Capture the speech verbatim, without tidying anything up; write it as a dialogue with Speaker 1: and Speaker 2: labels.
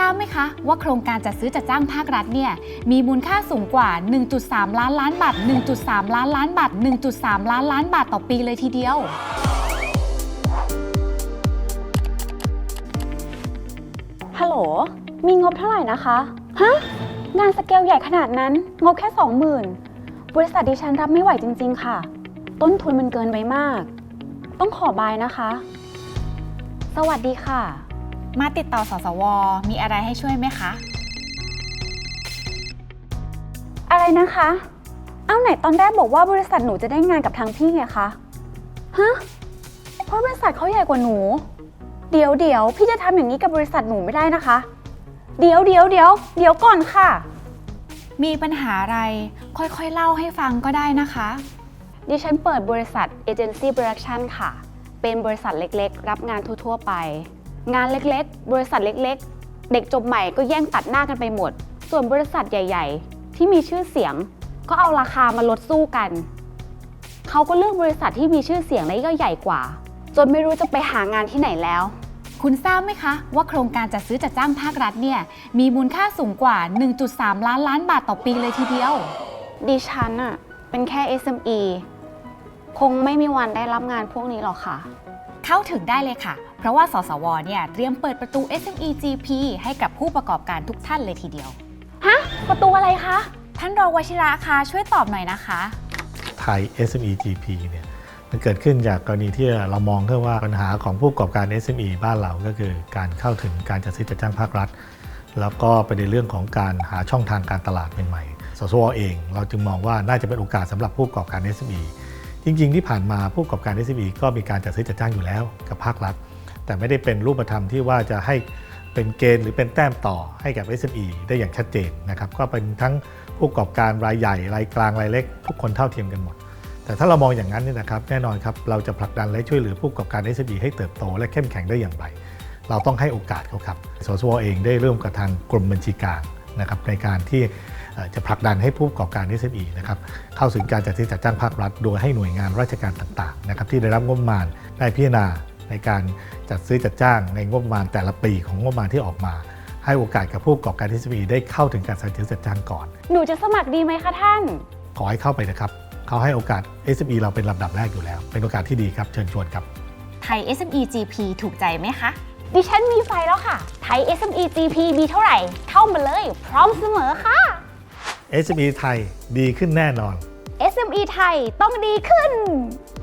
Speaker 1: ราบไหมคะว่าโครงการจัดซื้อจัดจ้างภาครัฐเนี่ยมีมูลค่าสูงกว่า หนึ่งจุดสาม ล้านล้านบาท หนึ่งจุดสาม ล้านล้านบาท หนึ่งจุดสาม ล้านล้านบาทต่อปีเลยทีเดียว
Speaker 2: ฮัลโหลมีงบเท่าไหร่นะคะฮะงานสเกลใหญ่ขนาดนั้นงบแค่สองหมื่นบริษัทดิฉันรับไม่ไหวจริงๆค่ะต้นทุนมันเกินไปมากต้องขอบายนะคะสวัสดีค่ะ
Speaker 1: มาติดต่อสสวมีอะไรให้ช่วยไหมคะ
Speaker 2: อะไรนะคะเอาไหนตอนแรกบอกว่าบริษัทหนูจะได้งานกับทางพี่ไงคะฮะเพราะบริษัทเขาใหญ่กว่าหนูเดี๋ยวเดี๋ยวพี่จะทำอย่างนี้กับบริษัทหนูไม่ได้นะคะเดี๋ยวเดี๋ยวเดี๋ยวเดี๋ยวก่อนค่ะ
Speaker 1: มีปัญหาอะไรค่อยๆเล่าให้ฟังก็ได้นะคะ
Speaker 2: ดิฉันเปิดบริษัทเอเจนซี่โปรดักชันค่ะเป็นบริษัทเล็กๆรับงานทั่วๆไปงานเล็กๆบริษัทเล็กๆเด็กจบใหม่ก็แย่งตัดหน้ากันไปหมดส่วนบริษัทใหญ่ๆที่มีชื่อเสียงก็เอาราคามาลดสู้กันเขาก็เลือกบริษัทที่มีชื่อเสียงและก็ใหญ่กว่าจนไม่รู้จะไปหางานที่ไหนแล้ว
Speaker 1: คุณทราบไหมคะว่าโครงการจัดซื้อจัดจ้างภาครัฐเนี่ยมีมูลค่าสูงกว่า หนึ่งจุดสาม ล้านล้านบาทต่อปีเลยทีเดียว
Speaker 2: ดิฉันอะเป็นแค่ เอส เอ็ม อี คงไม่มีวันได้รับงานพวกนี้หรอกค่ะ
Speaker 1: เข้าถึงได้เลยค่ะเพราะว่าสสวเนี่ยเตรียมเปิดประตู เอส เอ็ม อี จี พี ให้กับผู้ประกอบการทุกท่านเลยทีเดียว
Speaker 2: ฮะประตูอะไรคะ
Speaker 1: ท่านรองวชิระคะช่วยตอบหน่อยนะคะ
Speaker 3: ไทย เอส เอ็ม อี จี พี เนี่ยมันเกิดขึ้นจากกรณีที่เรามองแค่ว่าปัญหาของผู้ประกอบการ เอส เอ็ม อี บ้านเราก็คือการเข้าถึงการจัดซื้อจัดจ้างภาครัฐแล้วก็ประเด็นเรื่องของการหาช่องทางการตลาดใหม่ๆสสวเองเราจึงมองว่าน่าจะเป็นโอกาสสำหรับผู้ประกอบการ เอส เอ็ม อี จริงๆที่ผ่านมาผู้ประกอบการ เอส เอ็ม อี ก็มีการจัดซื้อจัดจ้างอยู่แล้วกับภาครัฐแต่ไม่ได้เป็นรูปธรรมที่ว่าจะให้เป็นเกณฑ์หรือเป็นแต้มต่อให้กับ เอส เอ็ม อี ได้อย่างชัดเจนนะครับก็เป็นทั้งผู้ประกอบการรายใหญ่รายกลางรายเล็กทุกคนเท่าเทียมกันหมดแต่ถ้าเรามองอย่างนั้นเนี่ยนะครับแน่นอนครับเราจะผลักดันและช่วยเหลือผู้ประกอบการ เอส เอ็ม อี ให้เติบโตและเข้มแข็งได้อย่างไรเราต้องให้โอกาสเขาครับสสวเองได้ร่วมกับทางกรมบัญชีกลางนะครับในการที่จะผลักดันให้ผู้ประกอบการ เอส เอ็ม อี นะครับเข้าสู่การจัดซื้อจัดจ้างภาครัฐโดยให้หน่วยงานราชการต่างๆนะครับที่ได้รับงบประมาณได้พิจารณาในการจัดซื้อจัดจ้างในงบประมาณแต่ละปีของงบประมาณที่ออกมาให้โอกาสกับผู้ประกอบการ เอส เอ็ม อี ได้เข้าถึงการจัดซื้อจัดจ้างก่อน
Speaker 2: หนูจะสมัครดีไหมคะท่าน
Speaker 3: ขอให้เข้าไปนะครับเขาให้โอกาส เอส เอ็ม อี เราเป็นลำดับแรกอยู่แล้วเป็นโอกาสที่ดีครับเชิญชวนครับ
Speaker 1: ไทย เอส เอ็ม อี จี พี ถูกใจไหมคะ
Speaker 2: ดิฉันมีไฟแล้วค่ะไทย เอส เอ็ม อี จี พี มีเท่าไหร่เข้ามาเลยพร้อมเสมอค่ะ
Speaker 3: เอส เอ็ม อี ไทยดีขึ้นแน่นอน
Speaker 2: เอส เอ็ม อี ไทยต้องดีขึ้น